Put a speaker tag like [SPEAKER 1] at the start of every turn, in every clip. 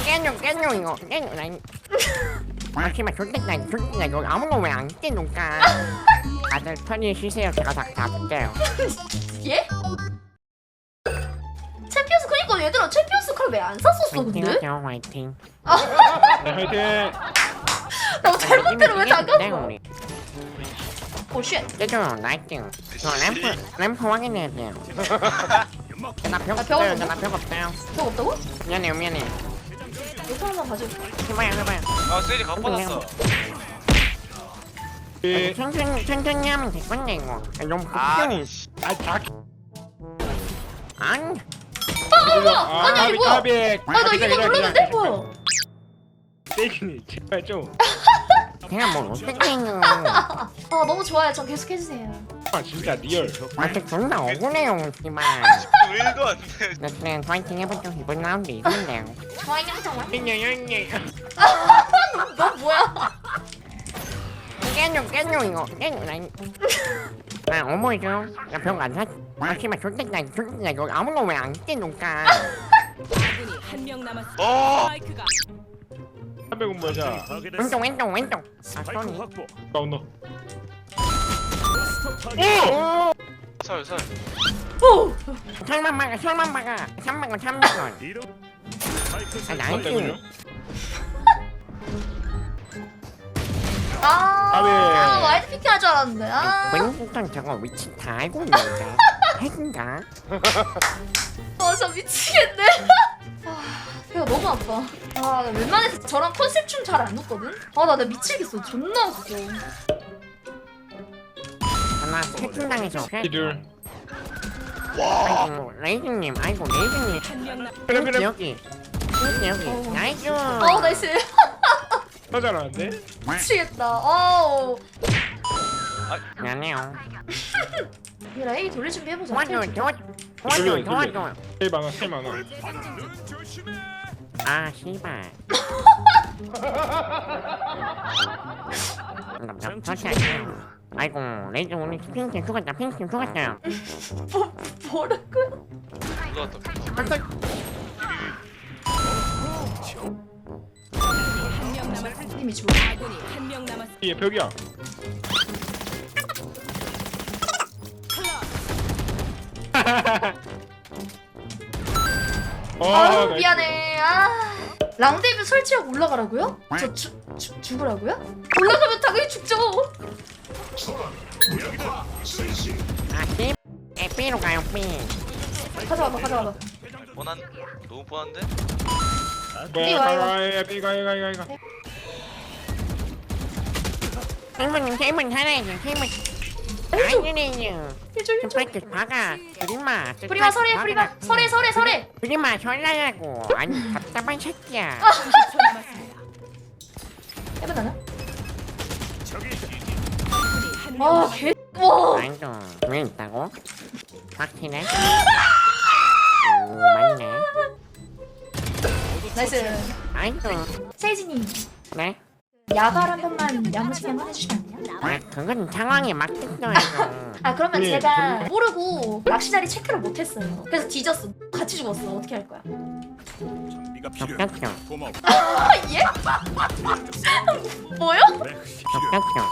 [SPEAKER 1] 깨줘 이거 깨줘 난 마지막 좋겠다 이거 아무거 왜 안 깨놓을까 다들 편히 쉬세요 제가 다 잡을게요
[SPEAKER 2] 예? 챔피언스 그니까 얘들아 챔피언스 칼 왜 안 샀었어 근데?
[SPEAKER 1] 화이팅하죠 화이팅
[SPEAKER 3] 네, 화이팅.
[SPEAKER 2] 나 잘못대로 왜 잠깐?
[SPEAKER 1] 우리
[SPEAKER 2] 오쉣
[SPEAKER 1] 깨줘 나이팅 저 램프 확인해야 돼요 나벽
[SPEAKER 2] 아, 벽
[SPEAKER 1] 없어요
[SPEAKER 2] 없나?
[SPEAKER 1] 나벽 없어요
[SPEAKER 2] 벽 없다고?
[SPEAKER 1] 미안해요
[SPEAKER 2] 이거 하나만 가져
[SPEAKER 1] 해봐요
[SPEAKER 4] 아 세리 각 받았어.
[SPEAKER 3] 예.
[SPEAKER 1] 천천히 하면 될 건데 이거 너무
[SPEAKER 4] 아니
[SPEAKER 1] 급해
[SPEAKER 4] 씨.
[SPEAKER 1] 아니
[SPEAKER 2] 아니, 이거 뭐야? 아나 이거 눌렀는데? 뭐야?
[SPEAKER 3] 세기니 제발 좀.
[SPEAKER 1] 제가 뭘 어떻게 해요
[SPEAKER 2] 아 너무 좋아요 전 계속 해주세요
[SPEAKER 3] 아 진짜 리얼.
[SPEAKER 1] 아직 존나 억울해요 씨발
[SPEAKER 4] 1도 안 돼.
[SPEAKER 1] 나 그냥 파이팅 해보죠 이번 라운드 이긴대요
[SPEAKER 2] 좋아요 좋아요
[SPEAKER 1] ഞ്ഞഞ്ഞഞ്ഞ
[SPEAKER 2] 너 뭐야?
[SPEAKER 1] 깨줘 이거 깨줘 나 어머니죠 나벽안 샀. 아 씨발 좋겠다 이거 아무거 왜 안 깨놓을까
[SPEAKER 5] 아군이 한 명 남았습니다.
[SPEAKER 4] 어.
[SPEAKER 5] 스파이크가
[SPEAKER 3] 300원 뭐야?
[SPEAKER 1] 왼쪽 아 소니
[SPEAKER 3] 다운너.
[SPEAKER 4] 설.
[SPEAKER 2] 오!
[SPEAKER 1] 설만 막아 300원 아 나이스
[SPEAKER 2] 아 와이드 피킹 할 줄 알았는데
[SPEAKER 1] 왼쪽은 저거 위치 다 알고 있는데 핵인가?
[SPEAKER 2] 저 미치겠네 배가 너무 아파 나 웬만해서 저랑 컨셉 춤 잘 안 웃거든? 나 미치겠어 존나 웃겨
[SPEAKER 1] 하나 해킹당해서
[SPEAKER 3] 이들.
[SPEAKER 1] 아이고 레이즈님
[SPEAKER 5] 한명 남.
[SPEAKER 3] 그래.
[SPEAKER 1] 여기 나이스
[SPEAKER 2] 나이스
[SPEAKER 3] 하잖아는데.
[SPEAKER 2] 미치겠다 어우
[SPEAKER 1] 미안해요
[SPEAKER 2] 얘라 A 돌릴 준비 해보자
[SPEAKER 1] 도와줘
[SPEAKER 3] 세 많아 세 많아.
[SPEAKER 1] 아 씨발 다시 할게요 아이고 레이즈 오늘 핑크 죽었어요
[SPEAKER 2] 뭐라고요?
[SPEAKER 4] 누가 왔다.
[SPEAKER 5] 한명 남았습니다.
[SPEAKER 2] 힘이 죽어
[SPEAKER 5] 아군이 한 명 남았습니다.
[SPEAKER 3] 얘 벽이야.
[SPEAKER 2] 아유
[SPEAKER 3] 나이스.
[SPEAKER 2] 미안해 랑데뷰 설치하고 올라가라고요? 저 죽으라고요? 올라가면 당연히 죽죠
[SPEAKER 1] 아 씨 B로 가요 B
[SPEAKER 2] 가져와봐
[SPEAKER 4] 뻔한 너무 뻔한데?
[SPEAKER 3] 뭐야? 이가.
[SPEAKER 1] 세이븐 살아야지 세이븐 나이스 레이즈
[SPEAKER 2] 해줘
[SPEAKER 1] 스파이크 박아
[SPEAKER 2] 프리마 설해 설해
[SPEAKER 1] 프리마 설라라고 아니 답답한 새끼야
[SPEAKER 2] 해보나나?
[SPEAKER 5] 아군이 한
[SPEAKER 2] 개 와.
[SPEAKER 1] 아이고 왜 있다고? 확실해? 오 맞네
[SPEAKER 2] 나이스
[SPEAKER 1] 아이고
[SPEAKER 2] 세이지님
[SPEAKER 1] 네?
[SPEAKER 2] 야발 한 번만 야무지게 한번 해주시면 안 돼요?
[SPEAKER 1] 아 그건 상황에 맞겠어요
[SPEAKER 2] 그러면
[SPEAKER 3] 예,
[SPEAKER 2] 제가 모르고 낚시 자리 체크를 못했어요 그래서 뒤졌어 같이 죽었어 어떻게 할 거야?
[SPEAKER 1] 적격죠
[SPEAKER 2] 예? 뭐요?
[SPEAKER 1] 적격죠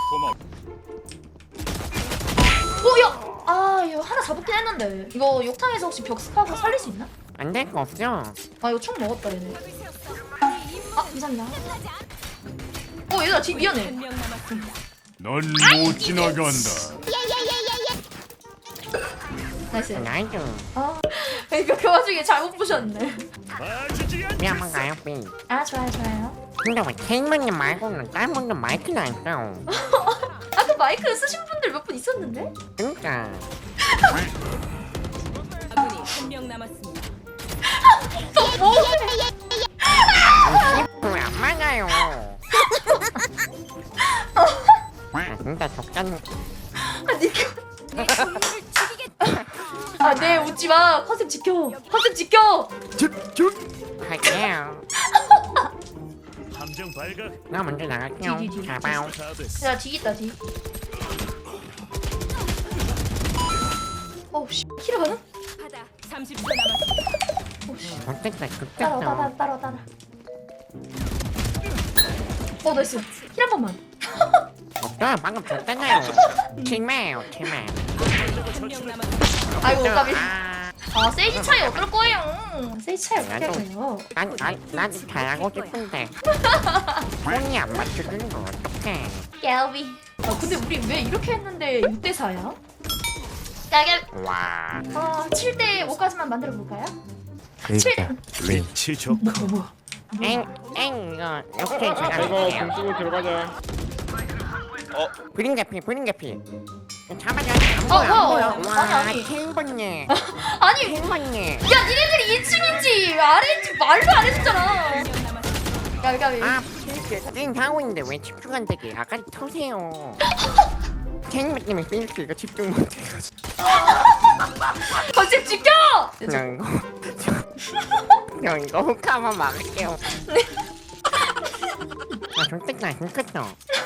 [SPEAKER 2] 뭐야? 이거 하나 잡았긴 했는데 이거 욕탕에서 혹시 벽스파고 살릴 수 있나?
[SPEAKER 1] 안 될 거 없죠?
[SPEAKER 2] 이거 총 먹었다 얘네 감사합니다 얘들아 뒤 미안해
[SPEAKER 5] 명 남았습니다.
[SPEAKER 6] 넌 못 지나간다.
[SPEAKER 2] 나이스
[SPEAKER 1] 나이스
[SPEAKER 2] 이거 그 와중에 잘못 보셨네
[SPEAKER 1] B 한번 가요 B
[SPEAKER 2] 좋아요
[SPEAKER 1] 근데 왜 케이머님 말고는 다른 분들 마이크는 안 써?
[SPEAKER 2] 그 마이크 쓰신 분들 몇 분 있었는데?
[SPEAKER 1] 그니까
[SPEAKER 5] 아군이 한 명 남았습니다.
[SPEAKER 1] 왜안 맞아요 진짜 적잖네
[SPEAKER 2] 네 웃지마 컨셉 지켜
[SPEAKER 1] 할게요
[SPEAKER 6] 함정 발각.
[SPEAKER 1] 나 먼저 나갈게요
[SPEAKER 2] 뒤.
[SPEAKER 1] 잘 봐요
[SPEAKER 2] 야 뒤있다 뒤 씨 키를 가나?
[SPEAKER 5] 바다 30초 남았습니다.
[SPEAKER 2] 씨
[SPEAKER 1] 어쨌든
[SPEAKER 2] 따라
[SPEAKER 1] 급됐어
[SPEAKER 2] 따라 나이스. 힐 한 번만.
[SPEAKER 1] 없어요. 방금 줬잖아요. 팀이에요, 팀에.
[SPEAKER 5] 한명 남았습니다.
[SPEAKER 2] 아이고 까비.
[SPEAKER 1] 아,
[SPEAKER 2] 세이지 차이 어떨 거예요? 세이지 차이 어떻게 할 거예요?
[SPEAKER 1] 난 잘하고 싶은데. 손이 안 맞춰주는 거 어떡해.
[SPEAKER 2] 깨비. 근데 우리 왜 이렇게 했는데 6대 4야? 깨비.
[SPEAKER 1] 와.
[SPEAKER 2] 7대 5까지만 만들어 볼까요?
[SPEAKER 1] 그니까.
[SPEAKER 6] 위치 좋고
[SPEAKER 2] 뭐야?
[SPEAKER 1] 이거 이렇게
[SPEAKER 3] 이거
[SPEAKER 1] 제가
[SPEAKER 3] 공
[SPEAKER 1] 할게요.
[SPEAKER 3] 쓰고 들어가자.
[SPEAKER 1] 브링 개피. 잡아줘. 안 보여, 안 보여. 와,
[SPEAKER 2] 아니.
[SPEAKER 1] 킹번님.
[SPEAKER 2] 아니
[SPEAKER 1] 킹번님.
[SPEAKER 2] 야 니네들이 2층인지 아래인지 말도 안 해줬잖아.
[SPEAKER 5] 한명 남았습니다.
[SPEAKER 2] 까비.
[SPEAKER 1] 아, 띵 하고 있는데 왜 집중 안 되게? 아까 터세요. 킹번님이 필수 이거 집중 못해가지고.
[SPEAKER 2] 건집 지켜!
[SPEAKER 1] 그냥 이거 혹하면 막을게요. 아, 좋겠다, 좋겠다.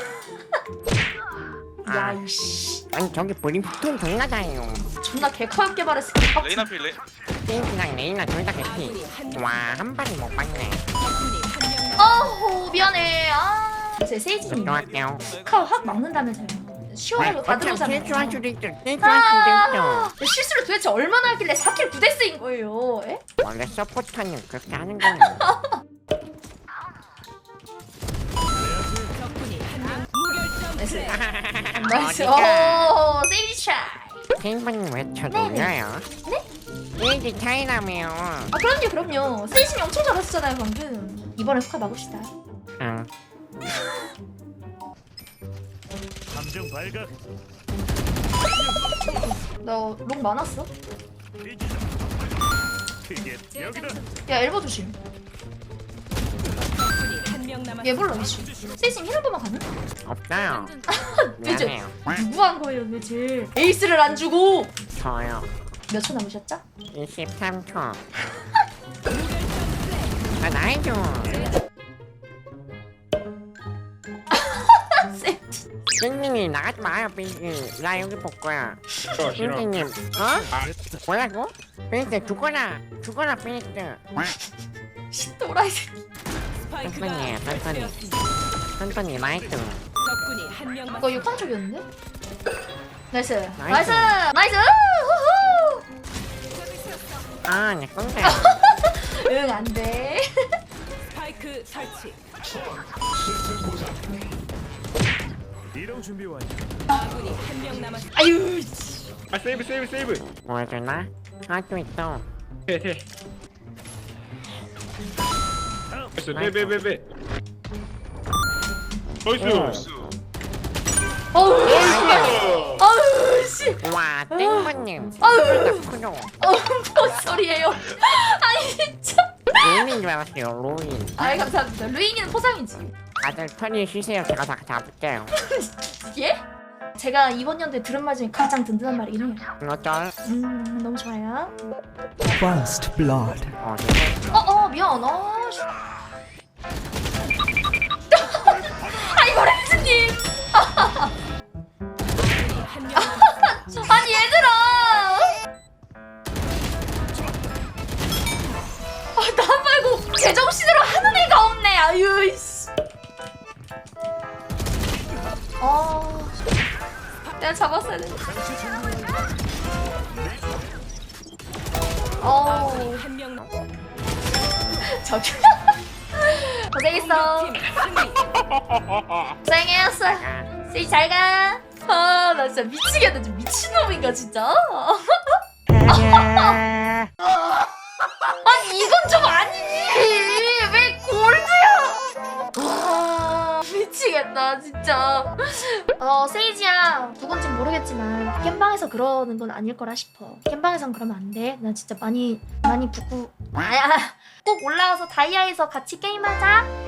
[SPEAKER 2] 야 이씨
[SPEAKER 1] 아니 저기 브링 보통 존나 잘해요.
[SPEAKER 2] 존나 개커엽게 말했어.
[SPEAKER 4] 레이나 필 레이.
[SPEAKER 1] 띵이랑 레이나 둘 다 개피. 와, 한 발이 못 봤네.
[SPEAKER 5] 적군이 한명 남았습니다.
[SPEAKER 2] 아우 미안해. 제 세이지님
[SPEAKER 1] 들어갈게요.
[SPEAKER 2] 카우 확 막는다면서요. 시원하고 다 들어오잖아요.
[SPEAKER 1] 실수할 수도 있죠. 실수할 수도 있죠.
[SPEAKER 2] 실수를 도대체 얼마나 하길래 4킬 9데스인 거예요? 에?
[SPEAKER 1] 원래 서포터는 그렇게 하는 거예요.
[SPEAKER 5] 적군이 한명 무결점
[SPEAKER 2] 나이스.
[SPEAKER 5] 플레이.
[SPEAKER 2] 나이스.
[SPEAKER 1] 어디가?
[SPEAKER 2] 오 세이지 차이.
[SPEAKER 1] 킹번님 왜 쳐돌려요?
[SPEAKER 2] 네?
[SPEAKER 1] 일기 차이라며.
[SPEAKER 2] 아 그럼요. 세이지님 엄청 잘하셨잖아요 방금. 이번에 후카 막읍시다.
[SPEAKER 1] 응.
[SPEAKER 6] 감정 발각
[SPEAKER 2] 너롱 많았어?
[SPEAKER 6] 크게 여기다
[SPEAKER 2] 야 엘보 조심.
[SPEAKER 5] 적군이 한명 남았습니다.
[SPEAKER 2] 얘 몰라 이씨. 세이지님 힐한 번만 가능?
[SPEAKER 1] 없어요.
[SPEAKER 2] 왜죠?
[SPEAKER 1] 미안해요.
[SPEAKER 2] 누구 한 거예요 도대체? 에이스를 안 주고
[SPEAKER 1] 저요.
[SPEAKER 2] 몇 초 남으셨죠?
[SPEAKER 1] 23초. 아, 나이 좀.
[SPEAKER 2] 세이지.
[SPEAKER 1] 띵님이 나가지 마요, 삐지. 나 여기 볼 거야.
[SPEAKER 3] 싫어 싫어.
[SPEAKER 1] 띵님, 어? 뭐라고? 삐지 죽어라, 삐지.
[SPEAKER 2] 또라이 새끼.
[SPEAKER 5] 스파이크가
[SPEAKER 1] 천천히, 천천히.
[SPEAKER 5] 설치되었습니다.
[SPEAKER 1] 천천히 나이트.
[SPEAKER 5] 적군이 한명
[SPEAKER 2] 이거
[SPEAKER 5] 남았습니다.
[SPEAKER 2] 6판 쪽이었는데? 나이스.
[SPEAKER 1] 나이스.
[SPEAKER 2] 나이스. 후후.
[SPEAKER 1] 아, 내 건데.
[SPEAKER 2] 응, 안 돼.
[SPEAKER 5] 스파이크 설치.
[SPEAKER 6] 이동 준비 완료
[SPEAKER 5] 아군이 한명 남았습니다.
[SPEAKER 2] 아유.
[SPEAKER 3] 아 세이브.
[SPEAKER 1] 뭐 해주나? 할수 있어.
[SPEAKER 3] 해. 됐어. 빼. 나이스.
[SPEAKER 2] 어우,
[SPEAKER 3] 나이스.
[SPEAKER 2] 어우, 씨.
[SPEAKER 1] 와, 띵번님.
[SPEAKER 2] 아유.
[SPEAKER 1] 크죠?
[SPEAKER 2] 뭔 소리예요? 아니, 진짜.
[SPEAKER 1] 로인인 줄 알았어요, 로인.
[SPEAKER 2] 아이, 감사합니다. 루이기는 포상이지.
[SPEAKER 1] 다들 편히 쉬세요. 제가 다 잡을게요.
[SPEAKER 2] 예? 제가 이번 연도에 들은 말 중에 가장 든든한 말이긴 해요.
[SPEAKER 1] 어쩔?
[SPEAKER 2] 너무 좋아요.
[SPEAKER 7] First blood.
[SPEAKER 2] 미안. 씨. 아이고, 레이즈님.
[SPEAKER 5] 한명 남았습니다.
[SPEAKER 2] 아니, 얘들아. 나 말고 제정신으로 하는 애가 없네. 아유, 이씨. 내가 잡았어야 돼.
[SPEAKER 5] 한명 남.
[SPEAKER 2] 저기. 고생했어.
[SPEAKER 5] 팀 승리.
[SPEAKER 2] 고생했어.
[SPEAKER 1] 아,
[SPEAKER 2] 세이 잘 가. 나 진짜 미치겠다. 좀 미친놈인가 진짜. 아니 이건 좀 아니지. 왜 골드야? 미치겠다 진짜. 세이지야 누군지 모르겠지만 겜방에서 그러는 건 아닐 거라 싶어. 겜방에선 그러면 안 돼. 나 진짜 많이 붓고. 아야 꼭 올라와서 다이아에서 같이 게임하자.